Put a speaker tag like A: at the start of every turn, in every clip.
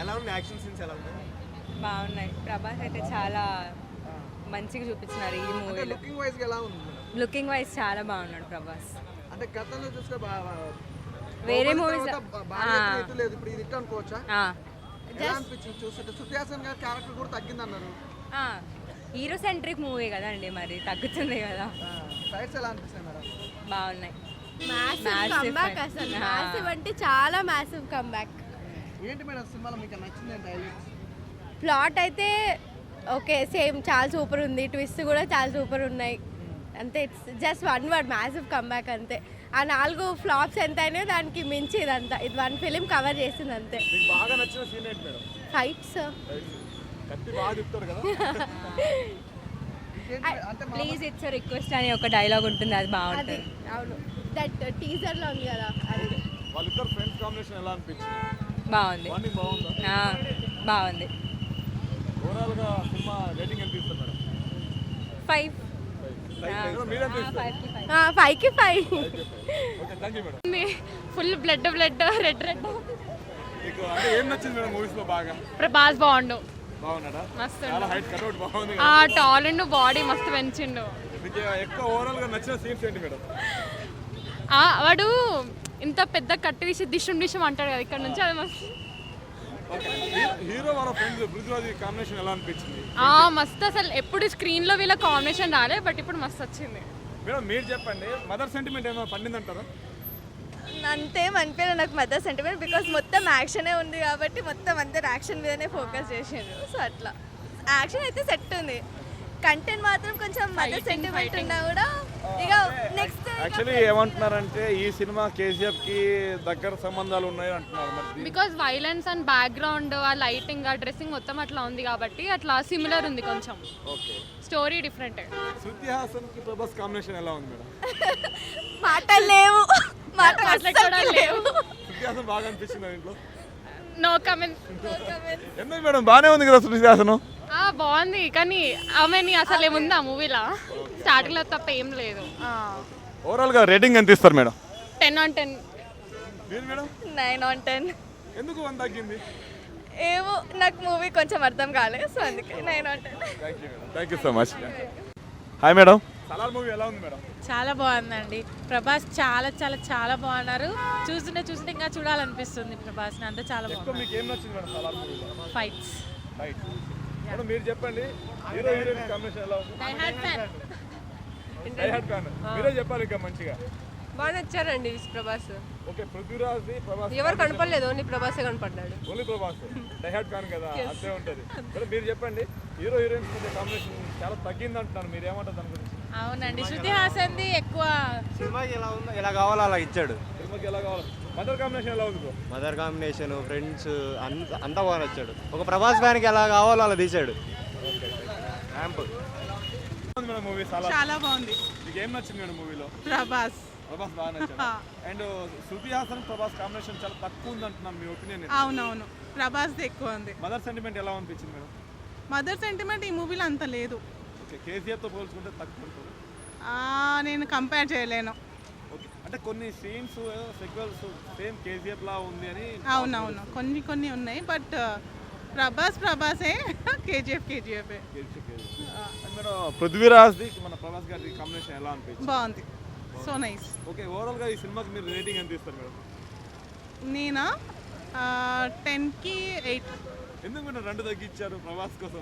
A: ఎలా ఉంది action scenes ఎలా ఉన్నాయి?
B: బాగున్నాయి. ప్రభాస్ అయితే చాలా మంచిగా చూపించినారు ఈ మూవీలో.
A: లుకింగ్ వైజ్ ఎలా ఉంది?
B: లుకింగ్ వైజ్ చాలా బాగున్నాడు ప్రభాస్.
A: అంటే గతంలో చూస్తే
B: వేరే మూవీస్
A: లేదు, ఇప్పుడు ఇది ఇట్లా అనుకోవచ్చా? ఎలా అనిపించింది చూస్తుంటే? శృతి హాసన్ గారి క్యారెక్టర్ కూడా తగ్గిందన్నారు.
B: హీరో సెంట్రిక్ మూవీ కదండి, మరి తగ్గుతుంది కదా.
A: ఫైట్స్ ఎలా అనిపిస్తాయి మేడం?
B: బాగున్నాయి.
C: కంబ్యాక్ అసలు మ్యాసివ్ అంటే చాలా మ్యాసివ్ కంబ్యాక్.
A: ఏంటి మేడం సినిమాలో మీకు నచ్చింది ఏంటి హైలైట్స్?
C: ప్లాట్ అయితే ఓకే సేమ్ చాలా సూపర్ ఉంది, ట్విస్ట్ కూడా చాలా సూపర్ ఉన్నాయి. అంతే, it's just one word massive comeback అంతే. ఆ 4 ఫ్లాప్స్ ఎంత అయినాయో దానికి మించి ఇదంతా ఇది 1 ఫిలిం కవర్ చేసింది అంతే.
A: మీకు బాగా నచ్చిన సీన్ ఏంటి మేడం?
C: ఫైట్స్
A: కత్తి బాగా తిప్పుతారు కదా.
B: ప్లీజ్ ఇట్స్ రిక్వెస్ట్ అని ఒక డైలాగ్ ఉంటుంది, అది
C: అది
B: బాగుంటుంది.
C: అవును, దట్ టీజర్ లో ఉంది కదా అది.
A: వాళ్ళిద్దరు ఫ్రెండ్స్ కాంబినేషన్ ఎలా అనిపించింది?
B: బాగుంది.
A: బాండింగ్ బాగుందా?
B: బాగుంది.
A: ఓవరాల్ గా సినిమా రేటింగ్ ఎంత ఇస్తారు మేడం?
B: 5.
A: మీరెంత ఇస్తారు?
C: 5కి 5.
A: Okay, thank you madam.
D: Full blood red
A: మీకు అంటే ఏం నచ్చింది మేడం మూవీస్ లో బాగా?
D: ప్రభాస్ బాగుండు,
A: బాగున్నాడా?
D: మస్తు
A: చాలా హైట్ కట్అవుట్ బాగుంది.
D: ఆ టాల్ అండ్ బాడీ మస్తు పెంచిండు.
A: మీకు ఎక్కువ ఓవరాల్ గా నచ్చిన సీన్స్ ఏంటి మేడం?
D: వాడు ఇంత పెద్ద కట్టు తీసి డిషం అంటాడు కదా ఇక్కడ నుంచి, అది మస్తు.
A: హీరో వాళ్ళ ఫ్రెండ్స్ పృథ్వీరాజ్ కాంబినేషన్ ఎలా అనిపించింది?
D: మస్తు అసలు ఎప్పుడు స్క్రీన్ లో వీళ్ళ కాంబినేషన్ రాలే, బట్ ఇప్పుడు మస్తు వచ్చింది.
A: మేడం మీరు చెప్పండి, మదర్ సెంటిమెంట్ ఏమైనా పండిందంటారా?
C: అంతేం అనిపించలేదు నాకు మదర్ సెంటిమెంట్, బికాస్ మొత్తం యాక్షనే ఉంది కాబట్టి మొత్తం అందరు యాక్షన్ మీదనే ఫోకస్ చేసిండ్రు. సో అట్లా యాక్షన్ అయితే సెట్ ఉంది, కంటెంట్ మాత్రం కొంచెం మదర్ సెంటిమెంట్ ఉన్నా కూడా ఇక నెక్స్ట్.
A: యాక్చువల్లీ ఏమంటున్నారంటే ఈ సినిమా కేసీఎఫ్ కి దగ్గర సంబంధాలు ఉన్నాయి అంటున్నారు. మరి
D: బికాస్ వైలెన్స్ అండ్ బ్యాక్గ్రౌండ్, ఆ లైటింగ్, ఆ డ్రెస్సింగ్ మొత్తం అట్లా ఉంది కాబట్టి అట్లా సిమిలర్ ఉంది కొంచెం.
A: Okay,
D: story different.
A: Shruti Haasan కి ప్రభాస్ కాంబినేషన్ ఎలా ఉంది మేడం?
C: మాటలు లేవు,
D: మాట్లాడుకోవడం లేవు.
A: శృతి హాసన్ బాగా అనిపించింది ఇంట్లో?
D: No comment.
A: ఎందుకు మేడం, బాగానే ఉంది కదా శృతి హాసన్.
D: బాగుంది కానీ ఆమెని అసలు ఏముంది ఆ మూవీలో, స్టార్టింగ్ లో తప్ప ఏం లేదు.
A: ఓవరాల్ గా రేటింగ్ ఎంత ఇస్తారు మేడం?
D: 10 on 10.
A: మీరు మేడం?
C: 9 on 10.
A: ఎందుకు 1 తగ్గింది?
C: ఏమో నాకు మూవీ కొంచెం అర్థం కాలేదు, సో అందుకే 9 on 10.
A: Thank you so much. Hi madam, Salaar movie ఎలా ఉంది మేడం?
E: చాలా బాగుందండి. ప్రభాస్ చాలా చాలా చాలా బాగున్నారు. చూస్తుంటే ఇంకా చూడాలనిపిస్తుంది ప్రభాస్ని, అంతా చాలా
A: ఎక్కువ
E: బాగుంది.
A: మీకు ఏం నచ్చింది మేడం సలార్ మూవీలో?
E: ఫైట్స్.
A: రైట్ మేడం, మీరు చెప్పండి హీరో హీరోయిన్ కాంబినేషన్ ఎలా ఉంది?
E: Die hard fan.
A: Die hard fan మీరే చెప్పాలి ఇంకా మంచిగా.
F: బాగా నచ్చారండి ప్రభాస్.
A: ఓకే, పృథ్వీరాజ్ ప్రభాస్
F: ఎవరు కనపడలేదు, ఓన్లీ ప్రభాసే కనపడ్డాడు.
A: Only Prabhas die hard fan కదా, అంతే ఉంటుంది. మేడం మీరు చెప్పండి, హీరో హీరోయిన్స్ మధ్య కాంబినేషన్ చాలా తగ్గింది అంటున్నారు, మీరు ఏమంటారు దాని గురించి?
E: అవునండి, శృతి హాసన్ది ఎక్కువ.
G: సినిమాకి ఎలా ఉందో ఎలా కావాలో అలా ఇచ్చాడు.
A: సినిమాకి ఎలా కావాలి? మదర్ కాంబినేషన్ ఎలా ఉంది బ్రో?
G: మదర్ కాంబినేషన్, ఫ్రెండ్స్ అంతా బాగా నచ్చాడు. ఒక ప్రభాస్ ఫ్యాన్కి ఎలా కావాలో అలా తీశాడు. ర్యాంప్
A: మేడం మూవీ
E: చాలా బాగుంది.
A: మీకు ఏం నచ్చింది మేడం మూవీలో?
E: ప్రభాస్.
A: ప్రభాస్ బాగా నచ్చాడు. అండ్ శృతి హాసన్ ప్రభాస్ కాంబినేషన్ చాలా తక్కువ ఉంది అంటున్నాను, మీ ఒపీనియన్?
E: అవునవును, ప్రభాస్ది ఎక్కువ ఉంది.
A: మదర్ సెంటిమెంట్ ఎలా అనిపించింది మేడం?
E: మదర్ సెంటిమెంట్ ఈ మూవీలో అంత లేదు.
A: ఓకే, కేసీఆర్తో పోల్చుకుంటే తక్కువ ఉంటుంది.
E: నేను కంపేర్ చేయలేను.
A: ఓకే, అంటే కొన్ని సీన్స్ సెక్వెల్స్ సేమ్ కేజీఎఫ్ లా ఉంది అని.
E: అవునవును, కొన్ని ఉన్నాయి, బట్ ప్రభాసే. కేజీఎఫ్
A: మేడం పృథ్వీరాజ్ది మన ప్రభాస్ గారి కాంబినేషన్ ఎలా అనిపించింది?
E: బాగుంది, సో నైస్.
A: ఓకే, ఓవరాల్గా ఈ సినిమాకి మీరు రేటింగ్ ఎంత ఇస్తారు మేడం?
E: నేనా 10కి 8.
A: ఎందుకు మీరు 2 తగ్గించారు? ప్రభాస్ కోసం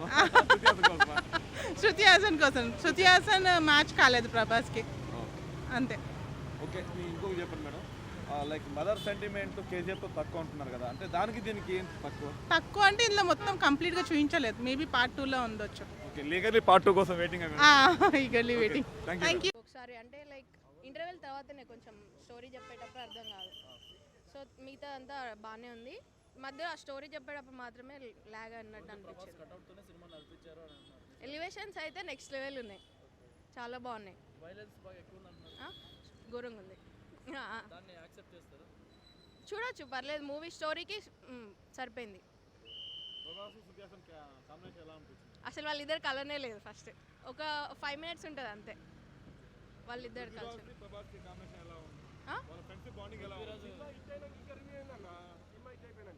E: శృతి హాసన్ కోసం. శృతి హాసన్ మ్యాచ్ కాలేదు ప్రభాస్కి, అంతే.
A: ఓకే, మీ ఇంకొక చెప్పండి మేడం, లైక్ మదర్ సెంటిమెంట్ కేజీఎఫ్తో తక్కువ అంటున్నారు కదా, అంటే దానికి దీనికి ఏం తక్కువ
E: అంటే ఇందులో మొత్తం కంప్లీట్గా చూపించలేదు, మేబీ పార్ట్ 2లో ఉండొచ్చు.
A: ఓకే, లీగల్లీ పార్ట్ 2 కోసం waiting.
E: Eagerly waiting. Thank you.
C: ఒకసారి అంటే లైక్ ఇంటర్వెల్ తర్వాతనే కొంచెం స్టోరీ చెప్పేటప్పుడు అర్థం కాదు, సో మిగతా అంతా బాగానే ఉంది. మధ్య ఆ స్టోరీ చెప్పేటప్పుడు మాత్రమే లాగ్ అన్నట్టు అనిపించింది. ఎలివేషన్స్ అయితే నెక్స్ట్ లెవెల్ ఉన్నాయి, చాలా బాగున్నాయి. ఘోరంగా ఉంది. చూడొచ్చు, పర్లేదు, మూవీ స్టోరీకి సరిపోయింది. అసలు వాళ్ళిద్దరు కలనే లేదు. ఫస్ట్ ఒక 5 minutes ఉంటుంది అంతే వాళ్ళిద్దరు కలిసి.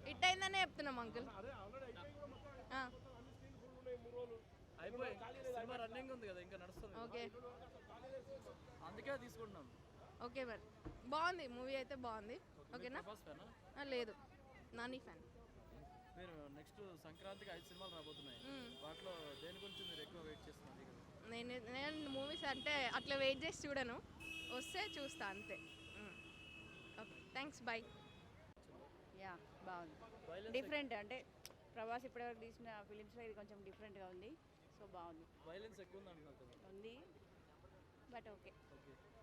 C: హిట్ అయిందనే చెప్తున్నాం అంకుల్.
A: అదే ఆల్రెడీ అయిపోయి కూడా మొత్తం అన్ని స్క్రీన్ ఫుల్ ఉన్నాయి 3 రోజులు.
H: అయిపోయి సినిమా రన్నింగ్ ఉంది కదా, ఇంకా నడుస్తుంది.
C: ఓకే
H: అందుకే తీసుకుంటున్నాం.
C: ఓకే మరి బాగుంది మూవీ అయితే బాగుంది. ఓకేనా?
H: ప్రభాస్ ఫ్యానా?
C: లేదు, నాని ఫ్యాన్.
H: మీరు నెక్స్ట్ సంక్రాంతికి 5 సినిమాలు రాబోతున్నాయి. వాటిలో దేని గురించి మీరు ఎక్కువ వెయిట్ చేస్తున్నారు?
C: నేను మూవీస్ అంటే అట్లా వెయిట్ చేసి చూడను, వస్తే చూస్తా అంతే. Okay thanks, bye.
I: యా బాగుంది, డిఫరెంట్. అంటే ప్రభాస్ ఇప్పటివరకు తీసిన ఫిలిమ్స్లో ఇది కొంచెం డిఫరెంట్గా ఉంది. సో బాగుంది.
H: వైలెన్స్ ఎక్కువ ఉంది అంటున్నారు కదా.
I: ఉంది బట్ ఓకే.
H: ఓకే